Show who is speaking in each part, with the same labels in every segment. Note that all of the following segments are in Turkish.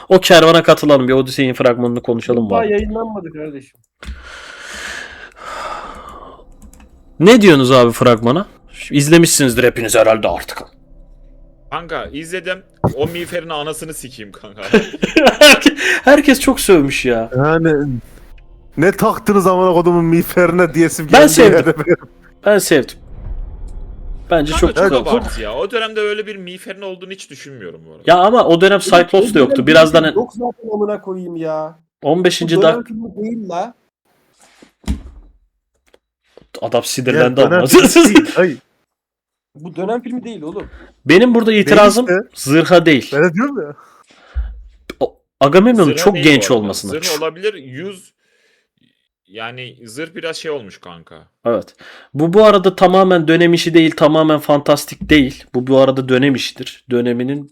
Speaker 1: O kervana katılalım. Bir Odyssey'in fragmanını konuşalım
Speaker 2: Daha
Speaker 1: var.
Speaker 2: yayınlanmadı kardeşim.
Speaker 1: Ne diyorsunuz abi fragmana? İzlemişsinizdir hepiniz herhalde artık.
Speaker 3: Kanka izledim. O miğferin anasını sikeyim kanka.
Speaker 1: Herkes çok sövmüş ya.
Speaker 4: Yani ne taktınız amına kodumun miğferine diyesim
Speaker 1: Ben
Speaker 4: geldi.
Speaker 1: sevdim.
Speaker 4: yani.
Speaker 1: Ben sevdim. Bence
Speaker 3: Kanka
Speaker 1: çok
Speaker 3: çok
Speaker 1: güzel.
Speaker 3: abartı ya. O dönemde öyle bir miğferin olduğunu hiç düşünmüyorum bu arada.
Speaker 1: Ya ama o dönem Cyclops da yoktu. Birazdan
Speaker 2: Yok zaten amına koyayım ya.
Speaker 1: 15.
Speaker 2: Bu dönem
Speaker 1: dakika
Speaker 2: filmi değil la.
Speaker 1: adam
Speaker 4: Ya,
Speaker 1: sinirlendi
Speaker 4: dönem
Speaker 1: ama.
Speaker 4: değil. Hayır.
Speaker 2: Bu dönem filmi değil oğlum.
Speaker 1: Benim burada itirazım
Speaker 4: Değil
Speaker 1: zırha değil.
Speaker 4: Ben de diyorum ya.
Speaker 1: Agamemnon'un
Speaker 3: Zırh
Speaker 1: çok
Speaker 3: değil
Speaker 1: genç
Speaker 3: bu arada.
Speaker 1: olmasına.
Speaker 3: Zırh olabilir. Yani zırh biraz şey olmuş kanka.
Speaker 1: Evet. Bu arada tamamen dönem işi değil, tamamen fantastik değil. Bu arada dönem işidir. Döneminin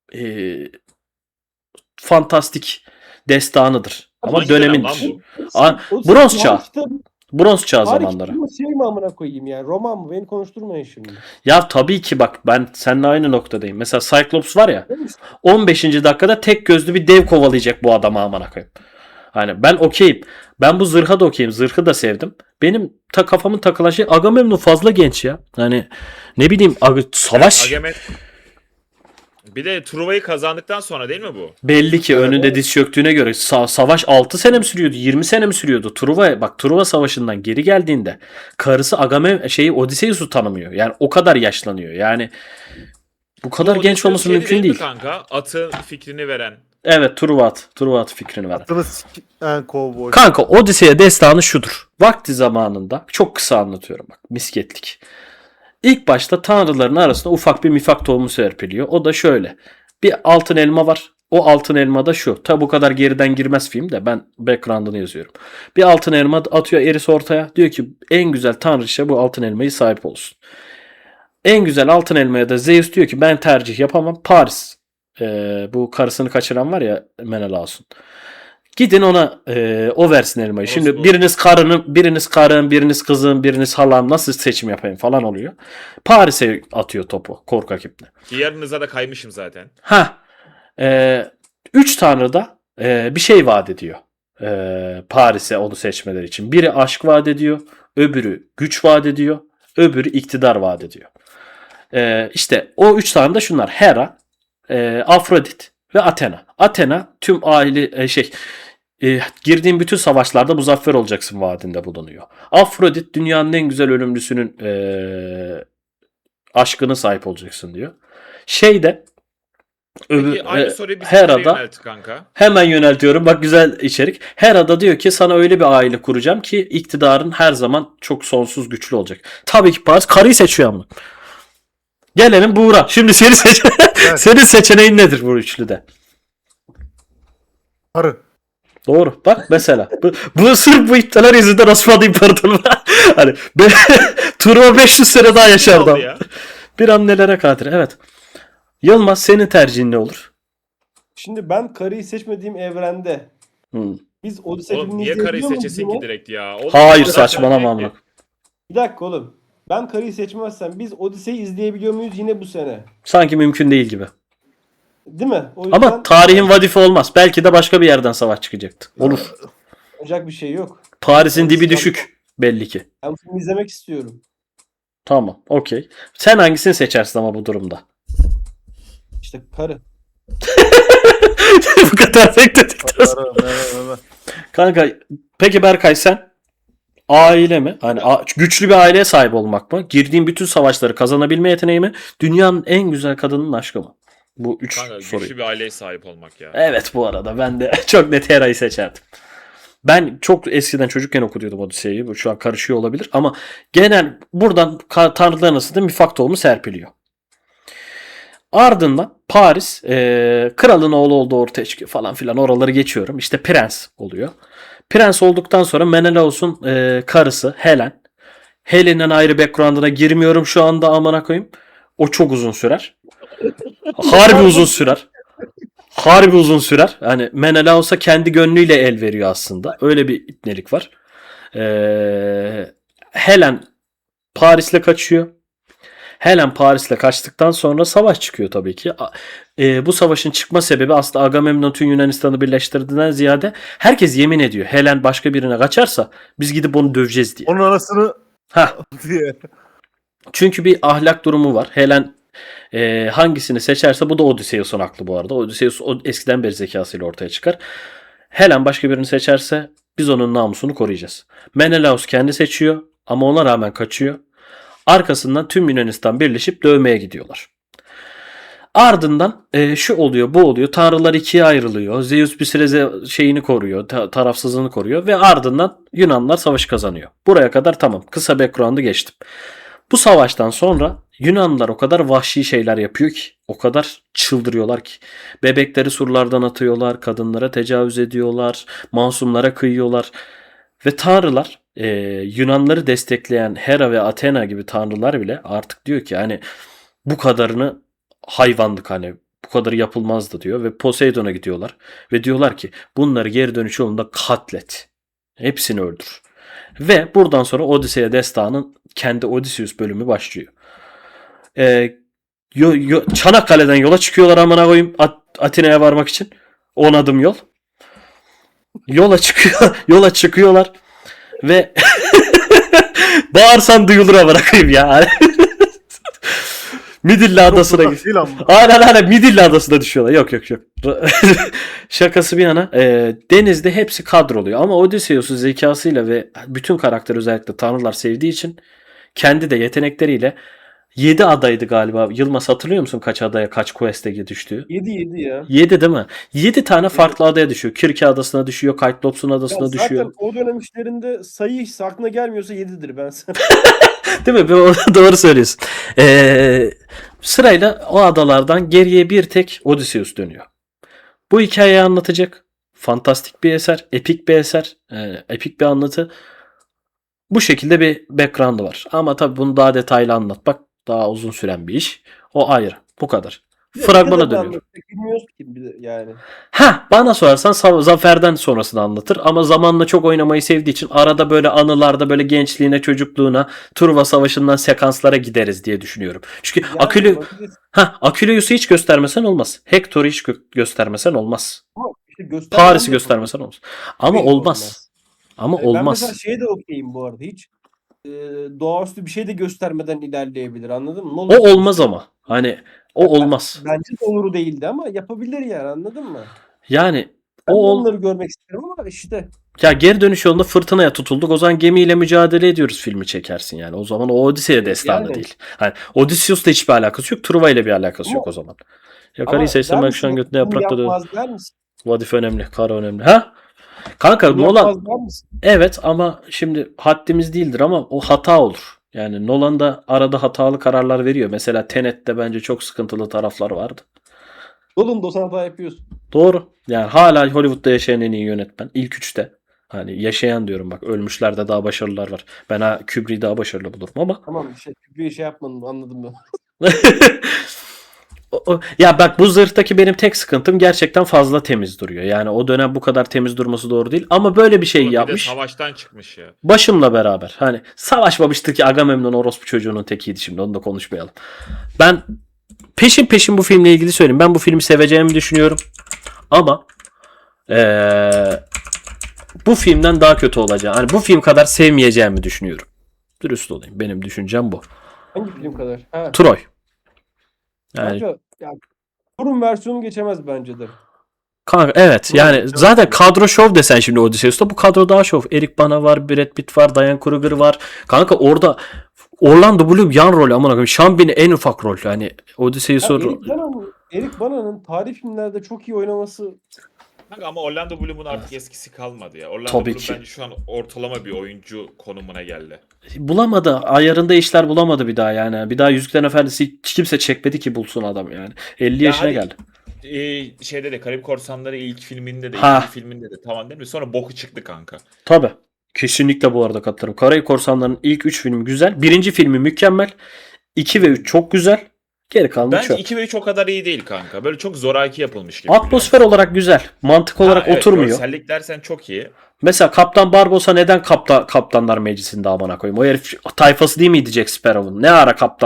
Speaker 1: fantastik destanıdır. Ama
Speaker 3: Hangi
Speaker 1: dönemin
Speaker 3: dönem lan bu?
Speaker 1: Bronz çağ. Bronz çağ
Speaker 2: Tarih
Speaker 1: zamanları.
Speaker 2: kitabı şey mi amına koyayım yani? Roman mı? Beni konuşturmayın şimdi.
Speaker 1: Ya tabii ki bak ben seninle aynı noktadayım. Mesela Cyclops var ya 15. dakikada tek gözlü bir dev kovalayacak bu adamı amına koyayım. Hani ben okeyim. Ben bu zırha da okeyim. Zırhı da sevdim. Benim kafamın takılan şey Agamemnon fazla genç ya. Hani ne bileyim savaş
Speaker 3: Bir de Truva'yı kazandıktan sonra değil mi bu?
Speaker 1: belli ki önünde diz çöktüğüne göre savaş 6 sene mi sürüyordu? 20 sene mi sürüyordu? Truva savaşından geri geldiğinde karısı Odysseus'u tanımıyor. Yani o kadar yaşlanıyor. Yani bu kadar
Speaker 3: Bu
Speaker 1: genç olması
Speaker 3: şey
Speaker 1: mümkün
Speaker 3: mi
Speaker 1: değil.
Speaker 3: Kanka atın fikrini veren.
Speaker 1: Evet, Truva at fikrini ver.
Speaker 4: Attınız en kovboy.
Speaker 1: Kanka Odisea destanı şudur. Vakti zamanında çok kısa anlatıyorum bak misketlik. İlk başta tanrıların arasında ufak bir mifak tohumu serpiliyor. O da şöyle. Bir altın elma var. O altın elma da şu. Tabi bu kadar geriden girmez film de ben background'ını yazıyorum. Bir altın elma atıyor Eris ortaya. Diyor ki en güzel tanrıça bu altın elmayı sahip olsun. En güzel altın elmaya da Zeus diyor ki ben tercih yapamam. Paris. Bu karısını kaçıran var ya Menelaus'un. Gidin ona o versin elmayı. Şimdi
Speaker 3: Olsun.
Speaker 1: biriniz karın, biriniz kızım, biriniz halam nasıl seçim yapayım falan oluyor. Paris'e atıyor topu korkak ipne.
Speaker 3: Ki yarınıza da kaymışım zaten.
Speaker 1: Üç tanrı da bir şey vaat ediyor. Paris'e onu seçmeleri için. Biri aşk vaat ediyor. Öbürü güç vaat ediyor. Öbürü iktidar vaat ediyor. İşte o üç tane de şunlar. Hera, Afrodit ve Athena. Athena tüm aile girdiğin bütün savaşlarda muzaffer olacaksın vaadinde bulunuyor. Afrodit dünyanın en güzel ölümlüsünün aşkına sahip olacaksın diyor.
Speaker 3: Peki aynı soruyu bir
Speaker 1: Hera'da
Speaker 3: yönelt kanka.
Speaker 1: hemen yöneltiyorum. Bak güzel içerik. Hera'da diyor ki sana öyle bir aile kuracağım ki iktidarın her zaman çok sonsuz güçlü olacak. Tabii ki Paris karıyı seçiyor ama. Gelelim Buğra. Şimdi senin seçeneğin nedir bu üçlüde?
Speaker 4: Karı.
Speaker 1: Doğru. Bak mesela. Bu sırf bu iptaller yüzünden Osmanlı İmparatorluğu. Hani Truva 500 sene daha yaşardı.
Speaker 3: Oldu ya.
Speaker 1: Bir an nelere kadir. Evet. Yılmaz senin tercihin ne olur?
Speaker 2: Şimdi ben karıyı seçmediğim evrende biz Odyssey
Speaker 3: Oğlum
Speaker 2: filmini
Speaker 3: niye karıyı
Speaker 2: izleyebiliyor muyuz
Speaker 3: seçesin
Speaker 2: yine?
Speaker 3: ki direkt ya? Oğlum,
Speaker 1: Hayır
Speaker 3: zaten
Speaker 1: saçmalama
Speaker 3: şey
Speaker 1: amına.
Speaker 3: ki,
Speaker 2: Bir dakika oğlum. Ben karıyı seçmezsem biz Odyssey'i izleyebiliyor muyuz yine bu sene?
Speaker 1: Sanki mümkün değil gibi.
Speaker 2: Değil mi? O yüzden
Speaker 1: Ama tarihin vadifi olmaz. Belki de başka bir yerden savaş çıkacaktı. Olur.
Speaker 2: olacak bir şey yok.
Speaker 1: Paris'in dibi düşük belli ki.
Speaker 2: Ben filmi izlemek istiyorum.
Speaker 1: Tamam. Okey. Sen hangisini seçersin ama bu durumda?
Speaker 2: İşte karı.
Speaker 1: Bu kadar bekledikten sonra.
Speaker 4: Karı.
Speaker 1: Kanka peki Berkay sen? Aile mi? Hani güçlü bir aileye sahip olmak mı? Girdiğin bütün savaşları kazanabilme yeteneği mi? Dünyanın en güzel kadının aşkı mı? Bu üç
Speaker 3: Kanka
Speaker 1: soruyu.
Speaker 3: güçlü bir aileye sahip olmak ya.
Speaker 1: Evet bu arada ben de çok net Hera'yı seçerdim. Ben çok eskiden çocukken okuyordum Odise'yi. Bu şu an karışıyor olabilir ama genel buradan tanrıların arasında mifak tohumu serpiliyor. Ardından Paris kralın oğlu olduğu ortaya çıkıyor falan filan oraları geçiyorum. İşte prens oluyor. Prens olduktan sonra Menelaus'un karısı Helen. Helen'in ayrı background'ına girmiyorum şu anda amına koyayım. O çok uzun sürer. Harbi uzun sürer. Harbi uzun sürer. Hani Menelaus'a kendi gönlüyle el veriyor aslında. Öyle bir ipnelik var. Helen Paris'le kaçıyor. Helen Paris'le kaçtıktan sonra savaş çıkıyor tabii ki. Bu savaşın çıkma sebebi aslında Agamemnon tüm Yunanistan'ı birleştirdiğinden ziyade herkes yemin ediyor. Helen başka birine kaçarsa biz gidip onu döveceğiz diye.
Speaker 4: Onun anasını
Speaker 1: Hah.
Speaker 4: diye.
Speaker 1: Çünkü bir ahlak durumu var. Helen hangisini seçerse bu da Odysseus'un aklı bu arada. Odysseus eskiden beri zekasıyla ortaya çıkar. Helen başka birini seçerse biz onun namusunu koruyacağız. Menelaus kendi seçiyor ama ona rağmen kaçıyor. Arkasından tüm Yunanistan birleşip dövmeye gidiyorlar. Ardından şu oluyor bu oluyor. Tanrılar ikiye ayrılıyor. Zeus bir süre şeyini koruyor. Tarafsızlığını koruyor. Ve ardından Yunanlar savaşı kazanıyor. Buraya kadar tamam. Kısa background'ı geçtim. Bu savaştan sonra Yunanlılar o kadar vahşi şeyler yapıyor ki, o kadar çıldırıyorlar ki. Bebekleri surlardan atıyorlar, kadınlara tecavüz ediyorlar, masumlara kıyıyorlar. Ve tanrılar, Yunanları destekleyen Hera ve Athena gibi tanrılar bile artık diyor ki hani bu kadarını hayvanlık, hani bu kadarı yapılmazdı diyor. Ve Poseidon'a gidiyorlar ve diyorlar ki bunları geri dönüş yolunda katlet. Hepsini öldür. Ve buradan sonra Odisea destanın kendi Odysseus bölümü başlıyor. Çanakkale'den yola çıkıyorlar amına koyayım Atina'ya varmak için. 10 adım yol. Yola çıkıyorlar ve bağırsan duyulur amına koyayım ya. Midilli Adası'na
Speaker 4: Çok değil ama.
Speaker 1: Aynen Midilli Adası'na düşüyorlar. Yok. Şakası bir yana. Denizde hepsi kadroluyor. Ama Odysseus'un zekasıyla ve bütün karakter özellikle tanrılar sevdiği için kendi de yetenekleriyle 7 adaydı galiba. Yılmaz hatırlıyor musun kaç adaya kaç quest'e düştüğü?
Speaker 2: 7 ya.
Speaker 1: 7 değil mi? 7 tane farklı adaya düşüyor. Kirke Adası'na düşüyor. Kyklops'un adasına
Speaker 2: Ya zaten
Speaker 1: düşüyor.
Speaker 2: o dönem işlerinde sayı hiç aklına gelmiyorsa 7'dir ben sana.
Speaker 1: Değil mi? Doğru söylüyorsun. Sırayla o adalardan geriye bir tek Odysseus dönüyor. Bu hikayeyi anlatacak. Fantastik bir eser. Epik bir eser. Epik bir anlatı. Bu şekilde bir background'ı var. Ama tabii bunu daha detaylı anlatmak daha uzun süren bir iş. O ayrı. Bu kadar. Fragmana dönüyorum.
Speaker 2: Bilmiyoruz ki bir de yani.
Speaker 1: Bana sorarsan Zafer'den sonrasını anlatır ama zamanla çok oynamayı sevdiği için arada böyle anılarda böyle gençliğine, çocukluğuna, Truva Savaşı'ndan sekanslara gideriz diye düşünüyorum. Çünkü
Speaker 2: Yani
Speaker 1: Akileus'u hiç göstermesen olmaz. Hector'u hiç göstermesen olmaz.
Speaker 2: ama işte göstermem
Speaker 1: Paris'i
Speaker 2: de
Speaker 1: göstermesen olmaz. Ama
Speaker 2: Değil,
Speaker 1: olmaz. Ama
Speaker 2: Ben mesela
Speaker 1: olmaz.
Speaker 2: şeye de okeyim bu arada hiç. Doğaüstü bir şey de göstermeden ilerleyebilir anladın mı? Ne
Speaker 1: O
Speaker 2: olursa
Speaker 1: olmaz
Speaker 2: olsun.
Speaker 1: ama. Hani o olmaz.
Speaker 2: Bence doğru değildi ama yapabilir yani anladın mı?
Speaker 1: Yani
Speaker 2: Ben de
Speaker 1: o
Speaker 2: onları görmek isterim ama işte.
Speaker 1: ya geri dönüş yolunda fırtınaya tutulduk. O zaman gemiyle mücadele ediyoruz filmi çekersin yani. O zaman o Odisea destanı
Speaker 2: Yani.
Speaker 1: değil. Hani Odysseus'la hiçbir alakası yok. Truva ile bir alakası
Speaker 2: Ama-
Speaker 1: yok o zaman. Yakarıyı
Speaker 2: Ama
Speaker 1: seçsem
Speaker 2: der
Speaker 1: ben
Speaker 2: misin,
Speaker 1: şu an götüne
Speaker 2: bunu
Speaker 1: yaprakla dövüyorum.
Speaker 2: yapmaz der misin?
Speaker 1: Vadife önemli. Kara önemli. Ha? Kanka
Speaker 2: Bunu
Speaker 1: Nolan
Speaker 2: yapmaz der misin?
Speaker 1: evet ama şimdi haddimiz değildir ama o hata olur. Yani Nolan da arada hatalı kararlar veriyor. Mesela Tenet'te bence çok sıkıntılı taraflar vardı.
Speaker 2: Nolan da hata yapıyorsun.
Speaker 1: Doğru. Yani hala Hollywood'da yaşayan en iyi yönetmen. İlk üçte. Hani yaşayan diyorum bak. Ölmüşlerde daha başarılılar var. Ben Kubrick'i daha başarılı bulurum ama.
Speaker 2: Tamam bir şey yapmadın anladım ben.
Speaker 1: Ya bak bu zırhtaki benim tek sıkıntım gerçekten fazla temiz duruyor. Yani o dönem bu kadar temiz durması doğru değil. Ama böyle bir şey
Speaker 3: Oğlum bir de
Speaker 1: yapmış.
Speaker 3: savaştan çıkmış ya.
Speaker 1: Başımla beraber. Hani savaşmamıştı ki Agamemnon orospu çocuğunun tekiydi şimdi. Onu da konuşmayalım. Ben peşin bu filmle ilgili söyleyeyim. Ben bu filmi seveceğimi düşünüyorum. Ama bu filmden daha kötü olacağını, hani bu film kadar sevmeyeceğimi düşünüyorum. Dürüst olayım. Benim düşüncem bu.
Speaker 2: Hangi film kadar? Ha.
Speaker 1: Troy. Yani
Speaker 2: Bence ya, Thor'un versiyonu geçemez bence de.
Speaker 1: kanka evet yani
Speaker 4: Evet.
Speaker 1: zaten kadro şov desen şimdi Odysseus'ta bu kadro daha şov. Eric Bana var, Brad Pitt var, Diane Kruger var. Kanka orada Orlando Bloom yan rol amına koyayım. Sean Bean en ufak rol. Yani Odysseus'u
Speaker 2: Eric Bana'nın tarih filmlerde çok iyi oynaması
Speaker 3: Kanka ama Orlando Bloom'un artık eskisi kalmadı ya. Orlando
Speaker 1: Tabii
Speaker 3: Bloom
Speaker 1: ki.
Speaker 3: bence şu an ortalama bir oyuncu konumuna geldi.
Speaker 1: bulamadı. Ayarında işler bulamadı bir daha yani. Bir daha Yüzüklerin Efendisi hiç kimse çekmedi ki bulsun adam yani. 50 yaşına
Speaker 3: hadi,
Speaker 1: geldi.
Speaker 3: Şeyde de Karayip Korsanları ilk filminde de
Speaker 1: Ha.
Speaker 3: ikinci filminde de tamam değil mi? Sonra boku çıktı kanka.
Speaker 1: Tabii. Kesinlikle bu arada katılırım. Karayip Korsanları'nın ilk 3 filmi güzel. Birinci filmi mükemmel. 2 ve 3 çok güzel. Geri kalanı
Speaker 3: Bence
Speaker 1: çöp.
Speaker 3: 2 ve 3 o kadar iyi değil kanka. Böyle çok zoraki yapılmış gibi.
Speaker 1: Atmosfer olarak güzel. Mantık olarak
Speaker 3: evet,
Speaker 1: oturmuyor.
Speaker 3: Görsellik dersen çok iyi.
Speaker 1: Mesela Kaptan Barbosa neden Kaptanlar Meclisi'nde amına koyayım? O herif tayfası değil miydi Jack Sparrow'un? Ne ara kaptanlık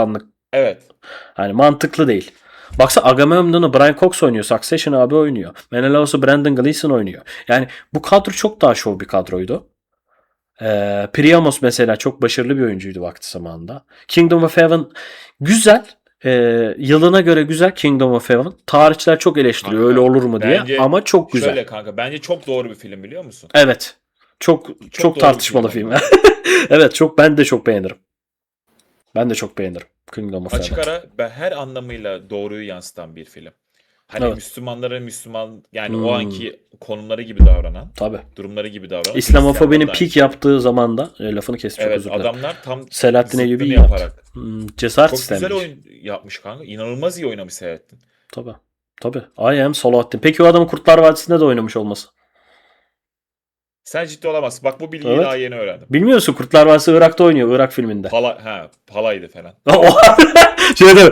Speaker 3: Evet.
Speaker 1: Hani mantıklı değil. Baksa Agamemnon'u Brian Cox oynuyor. Succession abi oynuyor. Menelaus'u Brendan Gleeson oynuyor. Yani bu kadro çok daha şov bir kadroydu. Priamos mesela çok başarılı bir oyuncuydu vakti zamanında. Kingdom of Heaven güzel. Yılına göre güzel Kingdom of Heaven. Tarihçiler çok eleştiriyor
Speaker 3: Kanka,
Speaker 1: öyle olur mu diye
Speaker 3: bence
Speaker 1: ama çok güzel.
Speaker 3: Şöyle kanka bence çok doğru bir film biliyor musun?
Speaker 1: Evet. Çok
Speaker 3: doğru bir
Speaker 1: tartışmalı
Speaker 3: film
Speaker 1: film. Evet, ben de çok beğenirim. Ben de çok beğenirim Kingdom of Heaven.
Speaker 3: Açık ara ve her anlamıyla doğruyu yansıtan bir film. Hani
Speaker 1: Evet.
Speaker 3: Müslümanlara Müslüman yani
Speaker 1: Hmm.
Speaker 3: o anki konumları gibi davranan,
Speaker 1: Tabii.
Speaker 3: durumları gibi davranan.
Speaker 1: İslamofobinin
Speaker 3: Hristiyanlar da aynı
Speaker 1: pik
Speaker 3: şey.
Speaker 1: yaptığı zamanda lafını kes çok
Speaker 3: Evet
Speaker 1: özür dilerim.
Speaker 3: adamlar tam
Speaker 1: Selahattin
Speaker 3: zıttını
Speaker 1: Eyyubi iyi
Speaker 3: yaparak.
Speaker 1: Cesaret
Speaker 3: Çok güzel
Speaker 1: istemiş.
Speaker 3: oyun yapmış kanka. İnanılmaz iyi oynamış Selahattin.
Speaker 1: Tabii. Tabii. I am Salahattin. Peki o adamın Kurtlar Vadisi'nde de oynamış olması.
Speaker 3: Sen ciddi olamazsın. Bak bu bilgiyi
Speaker 1: Evet.
Speaker 3: daha yeni öğrendim.
Speaker 1: Bilmiyorsun Kurtlar Vadisi Irak'ta oynuyor. Irak filminde.
Speaker 3: Palaydı falan.
Speaker 1: Şeyde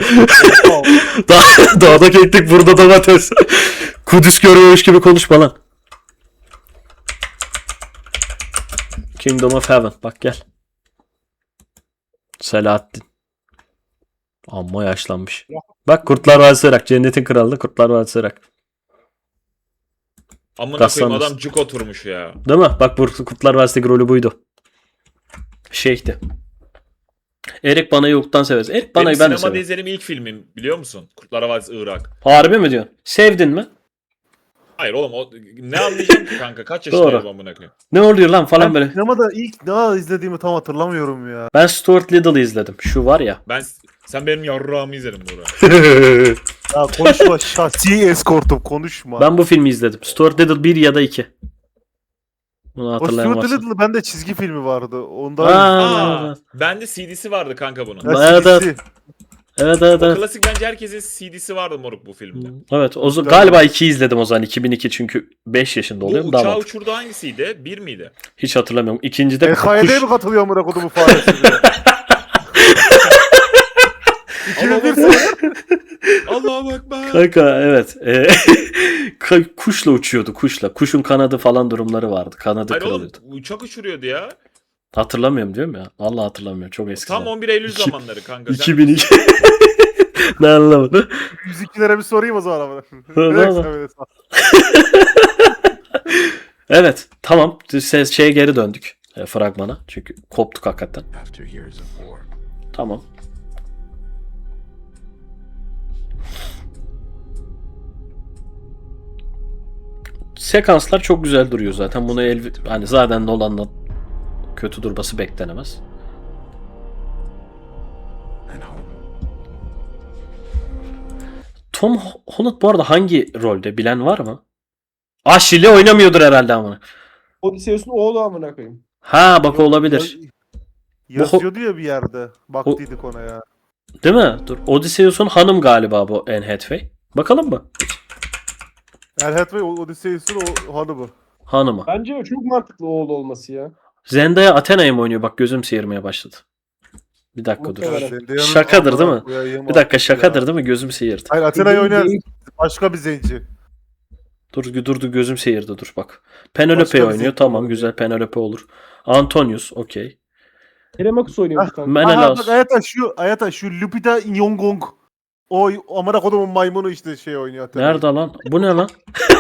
Speaker 1: dağda keklik burada domates. Kudüs görüyormuş gibi konuşma lan. Kingdom of Heaven. Bak gel. Selahattin. Amma yaşlanmış. Bak Kurtlar Vadisi Irak. Cennetin Kralı Kurtlar Vadisi Irak.
Speaker 3: Amına
Speaker 1: Gassan
Speaker 3: koyayım adam
Speaker 1: olsun.
Speaker 3: cuk oturmuş ya.
Speaker 1: Değil mi? Bak bu Kurtlar Vadisi'ndeki rolü buydu. Şeyhti. Erik Bana'yı yoktan severiz. Erik Bana'yı
Speaker 3: Benim
Speaker 1: ben de
Speaker 3: sinemada
Speaker 1: severim.
Speaker 3: izlediğim ilk filmim biliyor musun? Kurtlar Vadisi Irak.
Speaker 1: Harbi mi diyorsun? Sevdin mi?
Speaker 3: Hayır oğlum ne anlayacağım ki kanka? Kaç
Speaker 1: Doğru.
Speaker 3: yaşındayım amına koyayım?
Speaker 1: Ne oluyor lan falan
Speaker 4: Ben
Speaker 1: böyle.
Speaker 4: sinemada ilk ne izlediğimi tam hatırlamıyorum ya.
Speaker 1: Ben Stuart Little'ı izledim. Şu var ya.
Speaker 3: Sen benim yarrağımı izledin burada.
Speaker 4: Ya konuşma şahsi eskortum konuşma.
Speaker 1: Ben bu filmi izledim. Stuart Little 1 ya da 2. Bunu
Speaker 4: o
Speaker 1: hatırlayan
Speaker 4: Stuart
Speaker 1: varsa.
Speaker 4: Little'ın bende çizgi filmi vardı. Onda
Speaker 1: Aa,
Speaker 3: Bende CD'si vardı kanka bunun.
Speaker 1: Evet, evet.
Speaker 4: CD'si.
Speaker 1: evet.
Speaker 3: O klasik bence herkesin CD'si vardı moruk bu filmde.
Speaker 1: Evet. Galiba 2'yi izledim o zaman. 2002 çünkü 5 yaşında
Speaker 3: Bu
Speaker 1: oluyorum. Daha
Speaker 3: uçağı
Speaker 1: mantıklı.
Speaker 3: uçurdu hangisiydi? Bir miydi?
Speaker 1: Hiç hatırlamıyorum. İkincide
Speaker 4: EKY'de mi katılıyor amına kodumu faresi bile? 2001 sene.
Speaker 3: Allah'a bak be.
Speaker 1: Kanka evet. Kuşla uçuyordu kuşla. Kuşun kanadı falan durumları vardı. Kanadı
Speaker 3: Hayır oğlum
Speaker 1: kırılıyordu.
Speaker 3: uçak uçuruyordu ya.
Speaker 1: Hatırlamıyorum diyorum ya. Allah hatırlamıyorum. Çok eski.
Speaker 3: Tam 11 Eylül zamanları kanka. Sen
Speaker 1: 2002. Ne anlamadım.
Speaker 4: 102'lere bir sorayım o zaman amına.
Speaker 1: Tamam.
Speaker 4: Direkt söyle.
Speaker 1: Evet. Tamam. Şeye geri döndük. Fragmana. Çünkü koptuk hakikaten. Tamam. Sekanslar çok güzel duruyor zaten. Bunu hani zaten Nolan'dan kötü durması beklenemez. Tom Holland bu arada hangi rolde bilen var mı? Aşil'i oynamıyordur herhalde ama.
Speaker 2: Odysseus'un oğlu amına koyayım.
Speaker 1: Ha bak olabilir.
Speaker 4: Yazıyordu ya bir yerde. Baktıydık ona ya.
Speaker 1: Değil mi? Dur. Odysseus'un hanım galiba bu Anne Hathaway. Bakalım mı?
Speaker 4: El Hathaway Odysseus'un o hanımı.
Speaker 1: Hanımı.
Speaker 2: Bence o çok mantıklı oğlu olması ya.
Speaker 1: Zendaya Athena'yı mı oynuyor? Bak gözüm seyirmeye başladı. Bir dakika dur.
Speaker 2: Muhtemelen.
Speaker 4: Zendaya'nın
Speaker 1: Şakadır değil mi?
Speaker 4: amına koyayım
Speaker 1: Bir dakika
Speaker 4: artık
Speaker 1: şakadır
Speaker 4: ya.
Speaker 1: değil mi? Gözüm seyirdi.
Speaker 4: Hayır Athena'yı oynayan
Speaker 2: Değil.
Speaker 4: başka bir zenci.
Speaker 1: Dur gözüm seyirdi dur bak. Penelope
Speaker 4: Başka bir
Speaker 1: oynuyor.
Speaker 4: zevk
Speaker 1: Tamam
Speaker 4: olur.
Speaker 1: güzel Penelope olur. Antonius okey.
Speaker 2: Telemakus oynuyordu kanka.
Speaker 4: Aha
Speaker 1: Menelaus.
Speaker 4: bak Ayata şu Lupita Nyong'o. O amına kodumun maymunu işte şey oynuyor. Athena.
Speaker 1: Nerede lan? Bu ne lan?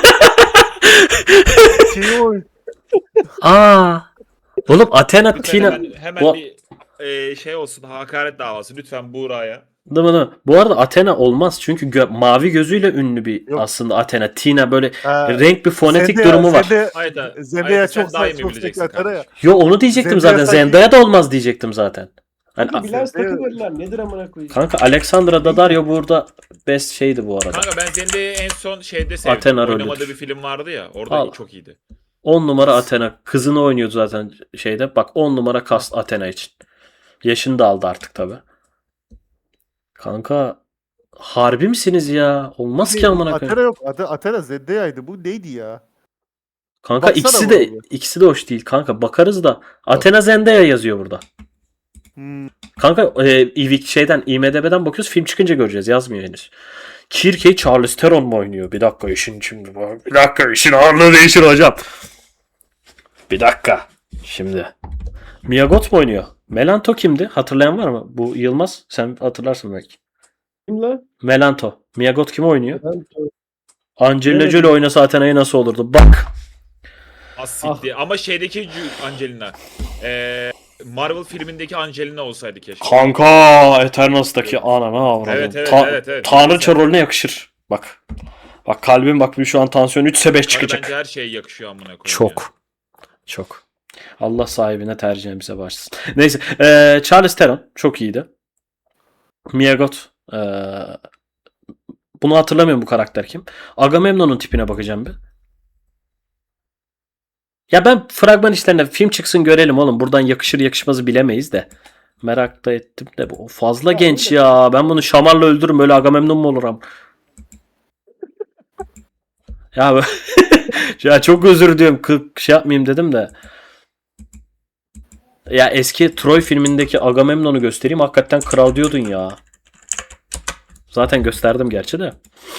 Speaker 4: Şeyi oynuyor.
Speaker 1: Aa. Oğlum Athena
Speaker 3: Lütfen
Speaker 1: Tina.
Speaker 3: hemen
Speaker 1: Bu-
Speaker 3: bir şey olsun hakaret davası lütfen Buğra'ya.
Speaker 1: Değil mi? Bu arada Athena olmaz çünkü mavi gözüyle ünlü bir
Speaker 4: Yok.
Speaker 1: aslında Athena. Tina böyle
Speaker 4: Ha,
Speaker 1: renk bir fonetik
Speaker 4: Zendaya-
Speaker 1: durumu var.
Speaker 4: Zendaya
Speaker 3: sen
Speaker 4: çok
Speaker 3: daha iyi mi
Speaker 4: çok
Speaker 3: bileceksin
Speaker 4: Athena ya.
Speaker 3: kardeşim?
Speaker 1: Yo onu diyecektim
Speaker 4: Zendaya
Speaker 1: zaten.
Speaker 4: sanki-
Speaker 1: Zendaya da olmaz diyecektim zaten. Hani,
Speaker 2: Kanka Bilal
Speaker 4: Zendaya-
Speaker 2: takılırlar. Nedir amına koyayım?
Speaker 1: kanka Alexandra Daddario burada best şeydi bu arada.
Speaker 3: Kanka ben Zendaya'yı en son şeyde sevdim.
Speaker 1: Athena rolüdür.
Speaker 3: Oynamadığı bir film vardı ya. Orada
Speaker 1: Al.
Speaker 3: çok iyiydi.
Speaker 1: 10 numara Athena. Kızını oynuyordu zaten şeyde. Bak 10 numara cast Athena için. Yaşını da aldı artık tabi. Kanka harbi misiniz ya? Olmaz ki amına
Speaker 4: Athena
Speaker 1: koyayım.
Speaker 4: yok. Athena Zendaya'ydı. Bu neydi ya?
Speaker 1: Kanka
Speaker 4: Baksana
Speaker 1: ikisi de hoş değil kanka. Bakarız da Athena Zendaya yazıyor burada.
Speaker 4: Hmm.
Speaker 1: Kanka IMDb'den bakıyoruz. Film çıkınca göreceğiz. Yazmıyor henüz. Kirkey Charlize Theron mu oynuyor? Bir dakika işin şimdi. Bir dakika işin ağırlığı değişir hocam. Bir dakika. Şimdi. Mia Goth mu oynuyor? Melanto kimdi? Hatırlayan var mı? Bu Yılmaz. Sen hatırlarsın belki.
Speaker 2: Kim la?
Speaker 1: Melanto. Miyagot kim oynuyor?
Speaker 2: Ben
Speaker 1: Angelina
Speaker 2: Bilemedim.
Speaker 1: Jolie oynasa Athena'yı nasıl olurdu? Bak.
Speaker 3: Asikti. Ama şeydeki Angelina. Marvel filmindeki Angelina olsaydı keşke.
Speaker 1: Kanka Eternals'taki anana avradım.
Speaker 3: Evet, evet, evet.
Speaker 1: Tanrıça rolüne yakışır. Bak. Bak kalbim bak şu an tansiyon 3'se 5
Speaker 3: Bence
Speaker 1: çıkacak.
Speaker 3: her şeye yakışıyor amına koyayım.
Speaker 1: Çok. Çok. Allah sahibine tercihimize başlasın. Neyse. Charlize Theron çok iyiydi. Miyagot. Bunu hatırlamıyorum bu karakter kim. Agamemnon'un tipine bakacağım bir. Ya ben fragman işlerine film çıksın görelim oğlum. Buradan yakışır yakışmazı bilemeyiz de. Merak da ettim de bu fazla
Speaker 2: Ya
Speaker 1: genç
Speaker 2: öyle.
Speaker 1: ya. Ben bunu şamarla öldürürüm. Böyle Agamemnon mu olurum? Ya ya çok özür diliyorum. Şey yapmayayım dedim de. Ya eski Troy filmindeki Agamemnon'u göstereyim. Hakikaten kral diyordun ya. Zaten gösterdim gerçi de.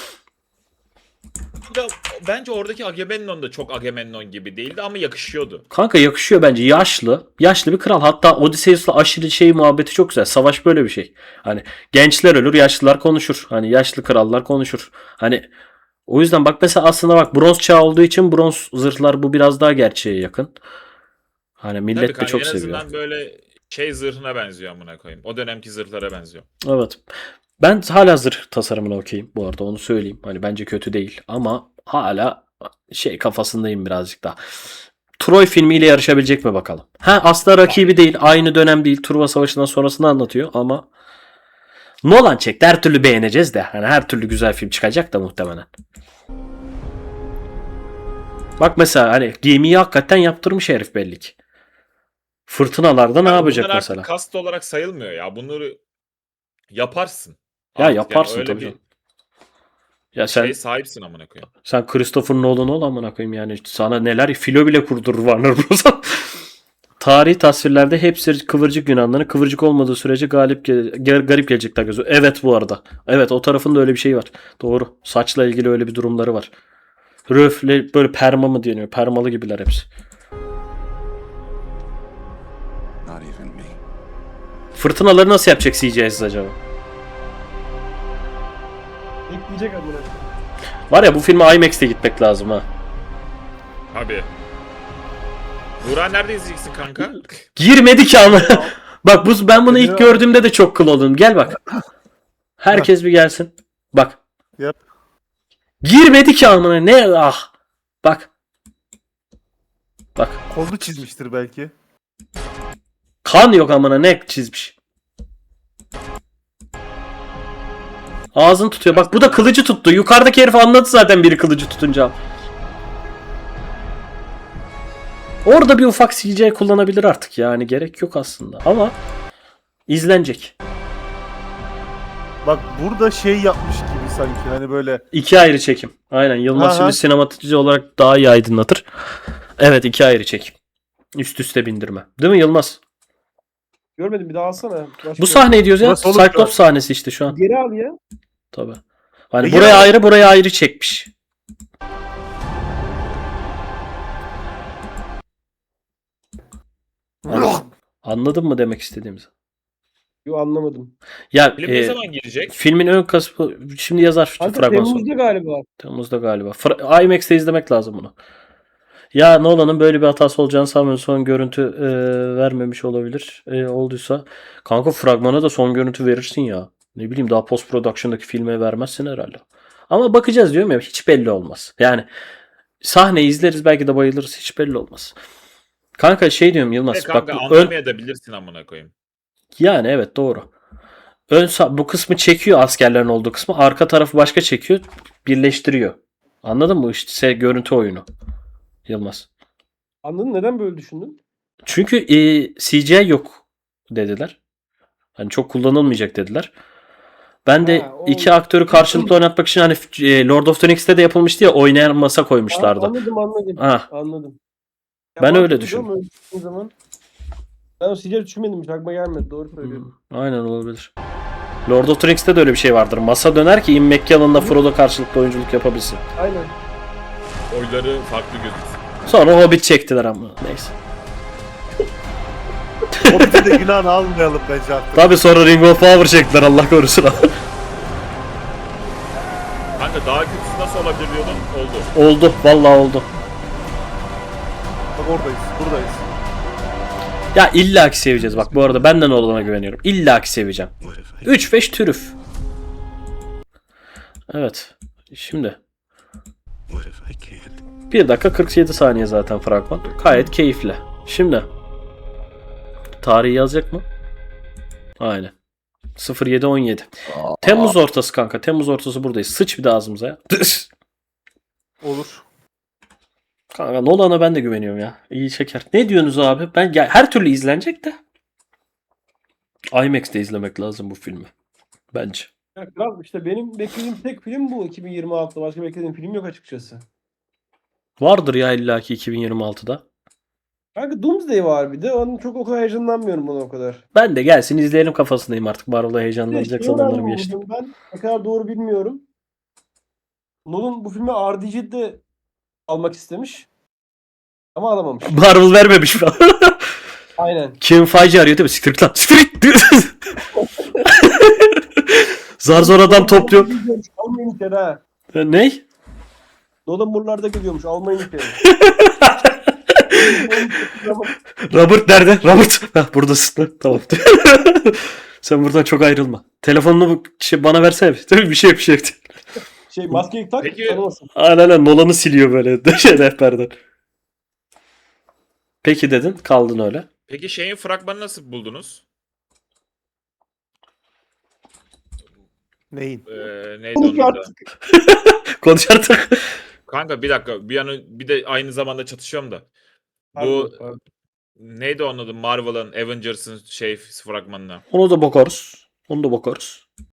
Speaker 3: Bence oradaki Agamemnon da çok Agamemnon gibi değildi ama yakışıyordu.
Speaker 1: Kanka yakışıyor bence. Yaşlı. Yaşlı bir kral. Hatta Odysseus'la aşırı şey muhabbeti çok güzel. Savaş böyle bir şey. Hani gençler ölür, yaşlılar konuşur. Hani yaşlı krallar konuşur. Hani o yüzden bak mesela aslında bak bronz çağı olduğu için bronz zırhlar bu biraz daha gerçeğe yakın. Hani millet
Speaker 3: Tabii
Speaker 1: de
Speaker 3: kanka,
Speaker 1: çok
Speaker 3: en
Speaker 1: seviyor.
Speaker 3: azından böyle şey zırhına benziyor amına koyayım. O dönemki zırhlara benziyor.
Speaker 1: Evet. Ben hala zırh tasarımına okeyim bu arada onu söyleyeyim. Hani bence kötü değil ama hala şey kafasındayım birazcık daha. Troy filmiyle yarışabilecek mi bakalım. Ha asla rakibi değil. Aynı dönem değil. Truva Savaşı'ndan sonrasını anlatıyor ama Nolan çekti. Her türlü beğeneceğiz de. Hani her türlü güzel film çıkacak da muhtemelen. Bak mesela hani gemiyi hakikaten yaptırmış herif belli ki. Fırtınalarda ne
Speaker 3: Yani
Speaker 1: yapacak
Speaker 3: bunlar
Speaker 1: mesela?
Speaker 3: artık kast olarak sayılmıyor ya. Bunları yaparsın.
Speaker 1: Ya
Speaker 3: Artık
Speaker 1: yaparsın
Speaker 3: öyle
Speaker 1: tabii
Speaker 3: bir
Speaker 1: canım. Ya sen
Speaker 3: şey sahipsin amına koyayım.
Speaker 1: Sen Christopher Nolan ol amına koyayım yani. Sana neler filo bile kurdurur Warner Bros. Tarihi tasvirlerde hepsi kıvırcık Yunanların kıvırcık olmadığı sürece garip gelecekler gözü. Evet bu arada. Evet o tarafında öyle bir şey var. Doğru. Saçla ilgili öyle bir durumları var. Röfle böyle perma mı deniyor? Permalı gibiler hepsi.
Speaker 5: Not even me.
Speaker 1: Fırtınaları nasıl yapacak CGI'siz acaba?
Speaker 2: ekleyecek amına.
Speaker 1: Var ya bu filme IMAX'te gitmek lazım ha.
Speaker 3: Abi. Buğra nerede izleyeceksin kanka?
Speaker 1: Girmedi ki ama. Bak ben bunu ilk gördüğümde de çok kıl oldum. Gel bak. Herkes bir gelsin. Bak.
Speaker 4: Yap.
Speaker 1: Girmedi ki amına ne ah. Bak. Bak.
Speaker 4: Kolunu çizmiştir belki.
Speaker 1: Kan yok amına ne çizmiş. Ağzını tutuyor. Bak bu da kılıcı tuttu. Yukarıdaki herif anladı zaten biri kılıcı tutunca. Orada bir ufak CGI kullanabilir artık yani gerek yok aslında ama izlenecek.
Speaker 4: Bak burada şey yapmış gibi sanki hani böyle.
Speaker 1: İki ayrı çekim. Aynen Yılmaz
Speaker 4: Aha.
Speaker 1: şimdi sinematize olarak daha iyi aydınlatır. Evet iki ayrı çekim. Üst üste bindirme. Değil mi Yılmaz?
Speaker 2: Görmedim bir daha alsana. Başka
Speaker 1: Bu sahneyi diyoruz ya.
Speaker 4: Burası olur
Speaker 1: Cyclops sahnesi işte şu an.
Speaker 2: Geri al ya.
Speaker 1: Tabii. Hani
Speaker 4: Peki
Speaker 1: buraya
Speaker 4: ya-
Speaker 1: ayrı buraya ayrı çekmiş. Anladın mı demek istediğimizi?
Speaker 2: Yo anlamadım.
Speaker 1: Ya
Speaker 3: Film ne zaman gelecek?
Speaker 1: filmin ön kısmı şimdi yazar şu
Speaker 2: Kanka
Speaker 1: fragman sonra.
Speaker 2: Temmuz'da galiba.
Speaker 1: Temmuz'da galiba. IMAX'te izlemek lazım bunu. Ya Nolan'ın böyle bir hatası olacağını sanmıyorum. Son görüntü vermemiş olabilir. Olduysa. Kanka fragmana da son görüntü verirsin ya. Ne bileyim daha post production'daki filme vermezsin herhalde. Ama bakacağız diyorum ya hiç belli olmaz. Yani sahneyi izleriz belki de bayılırız hiç belli olmaz. Kanka şey diyorum Yılmaz.
Speaker 3: Kanka
Speaker 1: bak
Speaker 3: anlamayabilirsin amına koyayım.
Speaker 1: yani evet doğru. Bu kısmı çekiyor askerlerin olduğu kısmı. Arka tarafı başka çekiyor. Birleştiriyor. Anladın mı? İşte görüntü oyunu. Yılmaz.
Speaker 2: Anladın neden böyle düşündün?
Speaker 1: Çünkü CGI yok dediler. Hani çok kullanılmayacak dediler. Ben de
Speaker 2: Ha, o-
Speaker 1: iki aktörü karşılıklı oynatmak için hani Lord of the Rings'te de yapılmıştı ya oynayan masa koymuşlardı.
Speaker 2: Anladım.
Speaker 1: Ha,
Speaker 2: Anladım. Ya
Speaker 1: Ben öyle
Speaker 2: mantıklı
Speaker 1: düşündüm.
Speaker 2: ama öyle düşündüğün zaman. Ben o CGI düşünmedim. Hiç aklıma gelmedi. Doğru söylüyorsun.
Speaker 1: aynen olabilir. Lord of the Rings'te de öyle bir şey vardır. Masa döner ki Ian McKellen'la Frodo karşılıklı oyunculuk yapabilsin.
Speaker 2: Aynen.
Speaker 3: Oyları farklı gözüksün.
Speaker 1: Sonra Hobbit çektiler ama neyse.
Speaker 4: O bizi de günahını almayalım bence artık.
Speaker 1: Tabi sonra Ring of Power çektiler Allah korusun.
Speaker 3: Kanka daha kötüsü nasıl olabilir diyordun. Oldu.
Speaker 1: Oldu. Vallahi oldu.
Speaker 4: Bak oradayız, buradayız.
Speaker 1: Ya illaki seveceğiz. Bak bu arada benden Nolan'a güveniyorum. İllaki seveceğim. 3-5 türüf. Evet. Şimdi. 1 dakika 47 saniye zaten fragman. Gayet keyifli. Şimdi. Tarihi yazacak mı? Aynen. 07-17. Temmuz ortası kanka. Temmuz ortası buradayız. Sıç bir de ağzımıza ya.
Speaker 4: Olur.
Speaker 1: Kanka Nolan'a ben de güveniyorum ya. İyi çeker. Ne diyorsunuz abi? Her türlü izlenecek de. IMAX'te izlemek lazım bu filmi. Bence.
Speaker 2: Ya kral işte benim beklediğim tek film bu 2026'da. Başka beklediğim film yok açıkçası.
Speaker 1: Vardır ya illaki 2026'da.
Speaker 2: Kanka Doomsday var bir de. Onun çok o kadar heyecanlanmıyorum buna o kadar.
Speaker 1: Ben de gelsin izleyelim kafasındayım artık. Marvel'a
Speaker 2: Bir de
Speaker 1: heyecanlanacak
Speaker 2: şey
Speaker 1: zamanlarım
Speaker 2: öğrendim
Speaker 1: geçti.
Speaker 2: bugün ben. Ne kadar doğru bilmiyorum. Nolan bu filmi RDG'de almak istemiş. Ama alamamış.
Speaker 1: Marvel vermemiş falan.
Speaker 2: Aynen.
Speaker 1: Kim Feige arıyor değil mi? Siktir git lan. Siktir git. Zar zor adam topluyor.
Speaker 2: Almayın içeri ha.
Speaker 1: Ney?
Speaker 2: Nolan buralarda gidiyormuş. Almayın içeri.
Speaker 1: Robert nerede? Robert. Hah, buradasın. Tamam. Sen buradan çok ayrılma. Telefonunu bana versene. Bir şey.
Speaker 2: Maskeyi tak.
Speaker 3: Peki-
Speaker 2: Tanımasın.
Speaker 1: Aynen Nolan'ı siliyor böyle rehberden. Peki dedin. Kaldın öyle.
Speaker 3: Peki şeyin fragmanı nasıl buldunuz?
Speaker 4: Neyin?
Speaker 3: Neydi onun adı?
Speaker 1: Konuş artık.
Speaker 3: Kanka bir dakika. Bir de aynı zamanda çatışıyorum da. Bu
Speaker 2: Pardon.
Speaker 3: neydi onun adı? Marvel'ın, Avengers'ın fragmanına.
Speaker 1: Onu da bakarız.